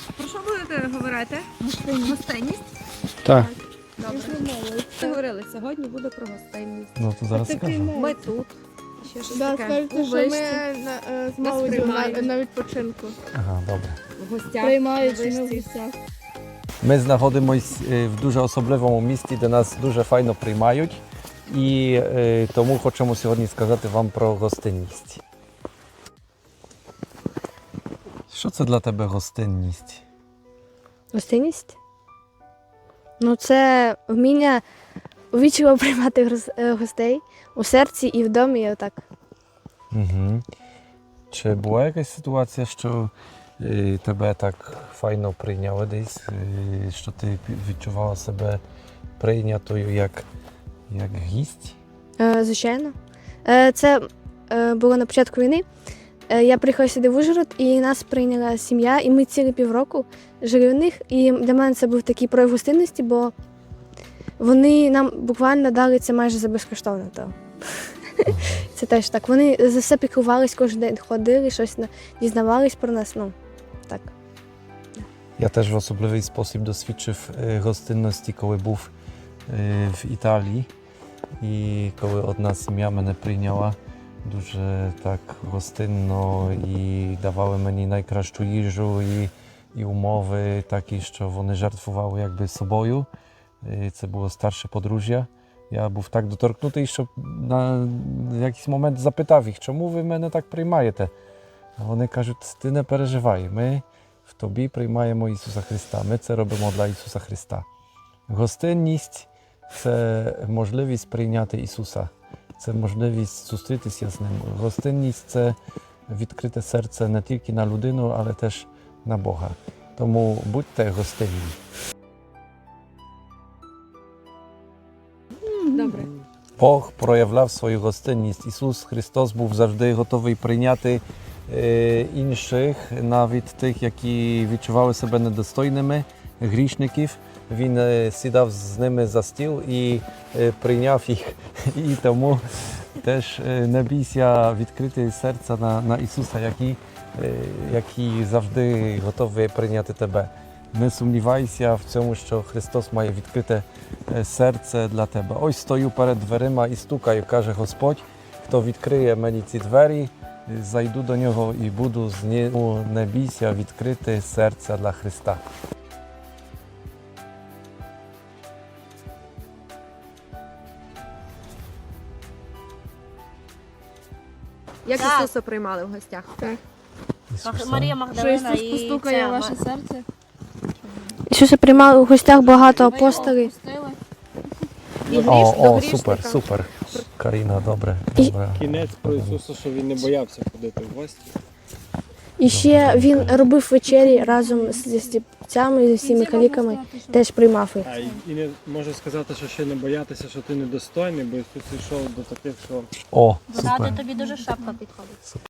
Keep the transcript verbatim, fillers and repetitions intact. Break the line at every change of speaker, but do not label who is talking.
Про що будете говорити? Гостинність?
Так.
Добре. Ми говорили, сьогодні буде про гостинність.
Ну, то зараз скажу.
Ми тут. Ще щось
Да,
таке.
скажете,
У
що
вишці,
ми на, е, з
Нас
молоддю на,
приймають.
на відпочинку.
Ага, добре.
в гостях.
Приймають
у
ми в
вишці.
гостях.
Ми знаходимось е, в дуже особливому місті, де нас дуже файно приймають. І е, тому хочемо сьогодні сказати вам про гостинність. Що це для тебе гостинність?
Гостинність? Ну, це вміння увічливо приймати гос- е, гостей у серці і в домі, і отак.
Угу. Чи була якась ситуація, що е, тебе так файно прийняли десь, е, що ти відчувала себе прийнятою як, як гість?
Е, звичайно. Е, це е, було на початку війни. Е, я приїхала сюди в Ужгород, і нас прийняла сім'я, і ми цілі півроку жили у них. І для мене це був такий прояв гостинності, бо вони нам буквально дали це майже за безкоштовно. То. Це теж так. Вони за все піклувались, кожен день ходили, щось на- дізнавались про нас. Ну, так.
Я теж в особливий спосіб досвідчив е, гостинності, коли був е, в Італії. І коли одна сім'я мене прийняла дуже так гостинно і давали мені найкращу їжу і, і умови такі, що вони жертвували якби собою. І це було старше подружжя. Я був так доторкнутий, що на якийсь момент запитав їх, чому ви мене так приймаєте? А вони кажуть, ти не переживай, ми в тобі приймаємо Ісуса Христа, ми це робимо для Ісуса Христа. Гостинність – це можливість прийняти Ісуса, це можливість зустрітися з Ним. Гостинність – це відкрите серце не тільки на людину, але теж на Бога. Тому будьте гостинні.
Добре.
Бог проявляв свою гостинність. Ісус Христос був завжди готовий прийняти е, інших, навіть тих, які відчували себе недостойними, грішників. Він е, сідав з ними за стіл і е, прийняв їх. І тому теж е, не бійся відкрити серця на, на Ісуса, який, е, який завжди готовий прийняти тебе. Не сумнівайся в цьому, що Христос має відкрите е, серце для тебе. Ось стою перед дверима і стукаю, каже Господь, хто відкриє мені ці двері, е, зайду до нього і буду з ним. Не бійся відкрити серце для Христа.
Як
Так.
Ісуса приймали в гостях?
Ісуса.
Марія
Що
Магдалина
Ісус
і
постукає
ця,
в ваше
Ма-
серце?
Ісуса приймали у гостях багато
Ви його
апостолів.
впустили?
О,
до
о,
грішника.
супер, супер. Каріна, добре.
І-
добре.
Кінець про Ісуса, що він не боявся ходити в гості.
І ще він робив вечері разом з стільцями, зі всіми каліками, теж приймав їх.
А і і не можу сказати, що ще не боятися, що ти недостойний, бо Ісус йшов до таких, що
О,
Згадую,
супер.
тобі дуже шапка підходить.